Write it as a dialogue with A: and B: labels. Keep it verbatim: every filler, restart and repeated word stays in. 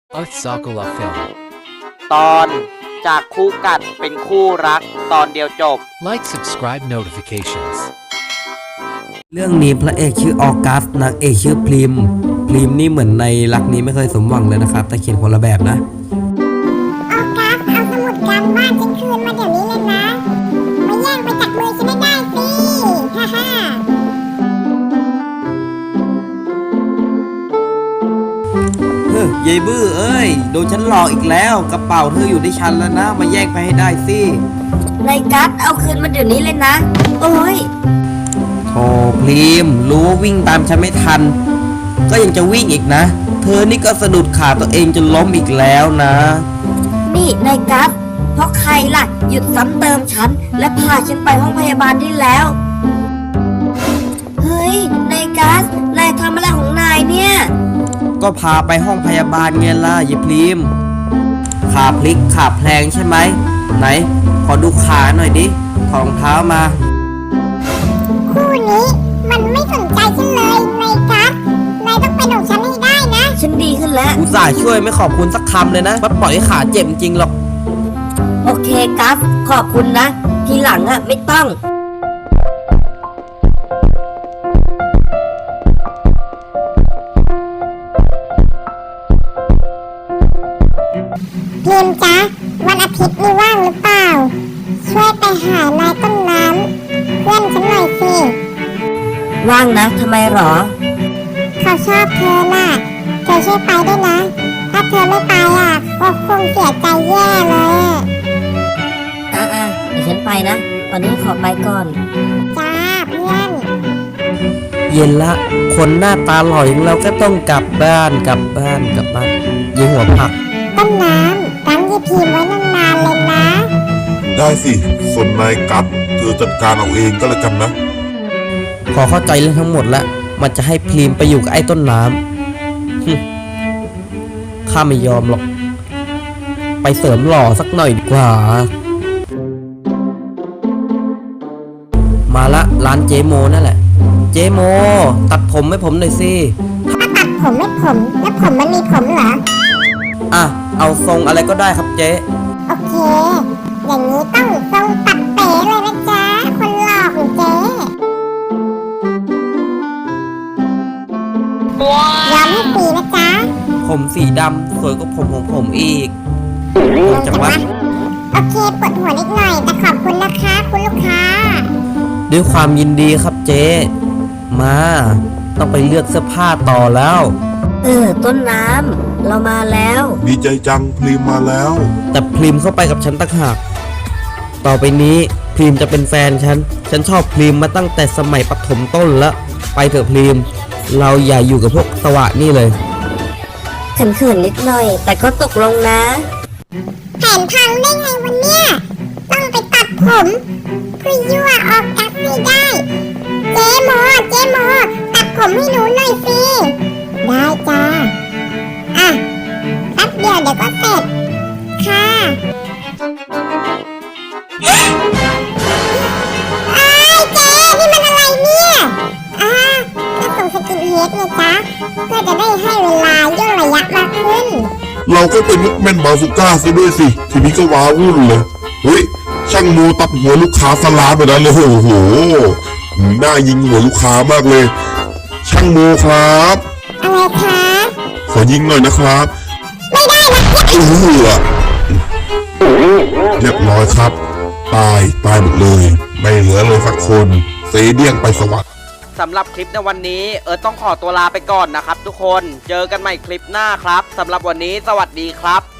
A: At Sakala Film
B: ตอนจากคู่กัดเป็นคู่รักตอนเดียวจบ
A: Like subscribe notifications
C: เรื่องนี้พระเอกชื่อออกัสนางเอกชื่อพริมพริมนี่เหมือนในรักนี้ไม่เคยสมหวังเลยนะครับแต่เขียนคนละแบบนะ
D: ออกัสเอาสมุดการบ้านฉันคืนมาเดี๋ยวนี้เลยนะมาแย่งไปจากมือฉันไม่ได้สิฮ่าฮ่า
C: เฮ้ยยายบื้อเอ้ยโดนฉันหลอกอีกแล้วกระเป๋าเธออยู่ที่ฉันแล้วนะมาแย่งไปให้ได้สิ
E: นายกัสเอาคืนมาเดี๋ยวนี้เลยนะโอ้ย
C: โธ่พริมรู้ว่าวิ่งตามฉันไม่ทันก็ยังจะวิ่งอีกนะเธอนี่ก็สะดุดขาตัวเองจนล้มอีกแล้วนะ
E: นี่นายกัสเพราะใครล่ะหยุดซ้ำเติมฉันและพาฉันไปห้องพยาบาลได้แล้วเฮ้ยนายกัสนายทำอะไรของนายเนี่ย
C: ก็พาไปห้องพยาบาลไงล่ะยายพริมขาพลิกขาแพลงใช่ไหมไหนขอดูขาหน่อยดิถอดรองเท้ามา
D: คู่นี้มันไม่สนใจฉันเลยนายกัสนายต้องเป็นของฉันให้ได้นะ
E: ฉันดีขึ้นแล้ว
C: อุตส่าห์ช่วยไม่ขอบคุณสักคำเลยนะมาปล่อยให้ขาเจ็บจริงหรอก
E: โอเคกัสขอบคุณนะทีหลังอะไม่ต้อง
D: พิมจ๊ะวันอาทิตย์นี้ว่างหรือเปล่าช่วยไปหานายต้นน้ำเพื่อนฉันหน่อยสิ
E: ว่างนะทำไมหรอ
D: เขาชอบเธอน่ะเธอช่วยไปด้วยนะถ้าเธอไม่ไปอ่ะก็คงเสียใจแย่เลย
E: อ่ะอ่ะเดี๋ยวฉันไปนะตอนนี้ขอไปก่อน
D: จ้าเพื่อน
C: เย็นละคนหน้าตาหล่ออย่างเราก็ต้องกลับบ้านกลับบ้านกลับบ้านยิงหัวผัก
D: ต้นน้ำรั้งยีพีมไว้นานๆเลยนะ
F: ได้สิส่วนนายกัดเธอจัดการเอาเองก็แล้วกันนะ
C: พอเข้าใจเรื่องทั้งหมดแล้วมันจะให้พลีมไปอยู่กับไอ้ต้นน้ำข้าไม่ยอมหรอกไปเสริมหล่อสักหน่อยดีกว่ามาละร้านเจโมนั่นแหละเจโมตัดผมให้ผมหน่อยสิ
D: ถ้าตัดผมไม่ผมแล้วผมมันมีผมเหรอ
C: อ่ะเอาทรงอะไรก็ได้ครับเจ๊
D: โอเคอย่างนี้ต้องทรงตัดเป๋เลยนะจ๊ะคนหล่อของเจ๊ยอมให้สีนะจ๊ะ
C: ผมสีดำสวยกว่าผมของผมอีกจังวะ
D: โอเคปวดหัวนิดหน่อยแต่ขอบคุณนะคะคุณลูกค้า
C: ด้วยความยินดีครับเจ๊มาต้องไปเลือกเสื้อผ้าต่อแล้ว
E: เออต้นน้ำเรามาแล้ว
F: ดีใจจังพริมมาแล้ว
C: แต่พริมเข้าไปกับฉันตั้งหากต่อไปนี้พริมจะเป็นแฟนฉันฉันชอบพริมมาตั้งแต่สมัยประถมต้นแล้วไปเถอะพริมเราอย่าอยู่กับพวกสวะนี่เลย
E: เขินๆนิดหน่อยแต่ก็ตกลงนะ
D: แผนพังได้ไงวันเนี้ยต้องไปตัดผมเพื่อยั่วออกกัสให้ได้เจ๊โมเจ๊โมตัดผมให้หนูหน่อยสิได้จ้าอ่ะแป๊บเดียวเดี๋ยวก็เสร็จค่ะอ้ายเจ๊นี่มันอะไรเนี่ยอ่าก็ส่งสกินเฮดไงจ๊ะเพื่อจะได้ให้เวลาย่นระยะมากขึ้น
F: เราก็เป็นมุกแม่นบาซูก้าซะด้วยสิทีนี้ก็ว้าวุ่นเลยเฮ้ยช่างโมตัดหัวลูกค้าสลาไปแล้วเลยโอ้โหน่ายิงหัวลูกค้ามากเลยช่างโมครับ
D: อะไรคะ
F: ขอยิงหน่อยนะครับ
D: ไม่ได้นะ
F: เออเรียบร้อยครับตายตายหมดเลยไม่เหลือเลยสักคนเสเดี่ยงไปสวรรค์
B: สำหรับคลิปในวันนี้เอิร์ธต้องขอตัวลาไปก่อนนะครับทุกคนเจอกันใหม่คลิปหน้าครับสำหรับวันนี้สวัสดีครับ